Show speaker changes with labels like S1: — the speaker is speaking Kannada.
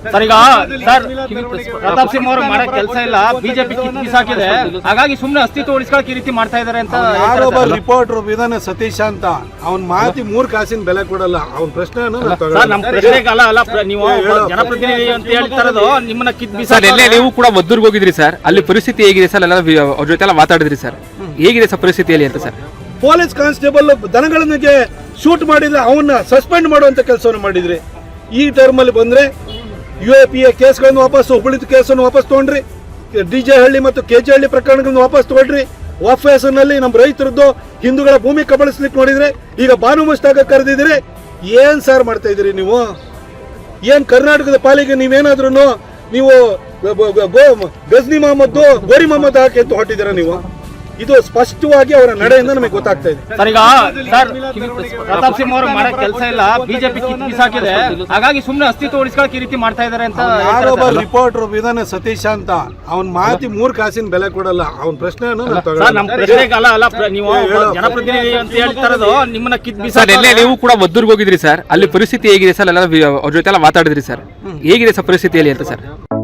S1: ಸರ್ ಈಗ ಸರ್ ಪ್ರತಾಪ್ ಸಿಂಹ ಅವರು ಮಾಡೋ ಕೆಲಸ ಇಲ್ಲ, ಬಿಜೆಪಿ ಕಿಸಾಕಿದೆ, ಹಾಗಾಗಿ ಸುಮ್ಮನೆ ಅಸ್ತಿತ್ವ ಉಳಿಸ್ಕೊಳಕ್ಕೆ ಈ ರೀತಿ ಮಾಡ್ತಾ ಇದಾರೆ ಅಂತ.
S2: ಯಾರೊಬ್ಬ ರಿಪೋರ್ಟರ್ ವಿಧಾನ ಸತೀಶ್ ಅಂತ ಅವ್ನ ಮಾತಿ 3 ಕಾಸಿನ ಬೆಲೆ ಕೊಡಲ್ಲ. ಅವ್ನ ಪ್ರಶ್ನೆ
S1: ನಮ್ಮ ಪ್ರಶ್ನೆಗೆ ಅಲ್ಲ ನೀವು ಜನಪ್ರತಿನಿಧಿ ಅಂತ ಹೇಳ್ತಾರದು ನಿಮ್ಮನ್ನ
S3: ಸರ್. ಎಲ್ಲೇ ನೀವು ಕೂಡ ಮದ್ದೂರ್ಗೆ ಹೋಗಿದ್ರಿ ಸರ್, ಅಲ್ಲಿ ಪರಿಸ್ಥಿತಿ ಹೇಗಿದೆ ಸರ್? ಎಲ್ಲ ಅವ್ರ ಜೊತೆ ಎಲ್ಲ ಮಾತಾಡಿದ್ರಿ ಸರ್, ಹೇಗಿದೆ ಸರ್ ಪರಿಸ್ಥಿತಿಯಲ್ಲಿ ಅಂತ ಸರ್?
S2: ಪೊಲೀಸ್ ಕಾನ್ಸ್ಟೇಬಲ್ ದನಗಳಿಗೆ ಶೂಟ್ ಮಾಡಿದ್ರೆ ಅವನ್ನ ಸಸ್ಪೆಂಡ್ ಮಾಡುವಂತ ಕೆಲಸವನ್ನು ಮಾಡಿದ್ರಿ. ಈ ಟರ್ಮ್ ಅಲ್ಲಿ ಬಂದ್ರೆ UAPA ಕೇಸ್ಗಳನ್ನು ವಾಪಸ್, ಹುಬ್ಬಳ್ಳಿ ಕೇಸನ್ನು ವಾಪಸ್ ತಗೊಂಡ್ರಿ, DJ ಹಳ್ಳಿ ಮತ್ತು KG ಹಳ್ಳಿ ಪ್ರಕರಣಗಳನ್ನು ವಾಪಸ್ ತಗೊಂಡ್ರಿ. ವಾಫೇಸನಲ್ಲಿ ನಮ್ಮ ರೈತರದ್ದು ಹಿಂದೂಗಳ ಭೂಮಿ ಕಬಳಿಸ್ಲಿಕ್ಕೆ ನೋಡಿದ್ರೆ ಈಗ ಬಾನು ಮುಷ್ತಾಕ ಕರೆದಿದ್ರೆ ಏನ್ ಸಾರ್ ಮಾಡ್ತಾ ಇದ್ದೀರಿ ನೀವು? ಏನ್ ಕರ್ನಾಟಕದ ಪಾಲಿಗೆ ನೀವೇನಾದ್ರೂ ನೀವು ಗಜ್ನಿ ಮೊಹಮ್ಮದ್ ಗೋರಿ ಮೊಹಮ್ಮದ್ ಹಾಕಿ ಅಂತ ಹೊಟ್ಟಿದ್ದೀರಾ ನೀವು? ಇದು ಸ್ಪಷ್ಟವಾಗಿ ಅವರ ನಡೆಯಿಂದ ನಮಗೆ ಗೊತ್ತಾಗ್ತಾ ಇದೆ.
S1: ಸರ್ ಈಗ ಸರ್ ಪ್ರತಾಪ್ ಸಿಂಹ ಅವರು ಮಾಡೋ ಕೆಲಸ ಇಲ್ಲ, ಬಿಜೆಪಿ ಕಿಸಾಕಿದೆ, ಹಾಗಾಗಿ ಸುಮ್ಮನೆ ಅಸ್ತಿತ್ವ ಉಳಿಸ್ಕೊಳಕ್ಕೆ ಈ ರೀತಿ ಮಾಡ್ತಾ ಇದಾರೆ ಅಂತ.
S2: ಯಾರೊಬ್ಬ ರಿಪೋರ್ಟರ್ ವಿಧಾನ ಸತೀಶ್ ಅಂತ ಅವ್ನ ಮಾತಿ 3 ಕಾಸಿನ ಬೆಲೆ ಕೊಡಲ್ಲ. ಅವ್ನ ಪ್ರಶ್ನೆ
S1: ನಮ್ಮ ಪ್ರಶ್ನೆಗೆ ಅಲ್ಲ ನೀವು ಜನಪ್ರತಿನಿಧಿ ಅಂತ ಹೇಳ್ತಾರದು ನಿಮ್ಮನ್ನ
S3: ಸರ್. ಎಲ್ಲೇ ನೀವು ಕೂಡ ಮದ್ದೂರ್ಗೆ ಹೋಗಿದ್ರಿ ಸರ್, ಅಲ್ಲಿ ಪರಿಸ್ಥಿತಿ ಹೇಗಿದೆ ಸರ್? ಎಲ್ಲ ಅವ್ರ ಜೊತೆ ಎಲ್ಲ ಮಾತಾಡಿದ್ರಿ ಸರ್, ಹೇಗಿದೆ ಸರ್ ಪರಿಸ್ಥಿತಿಯಲ್ಲಿ ಅಂತ ಸರ್?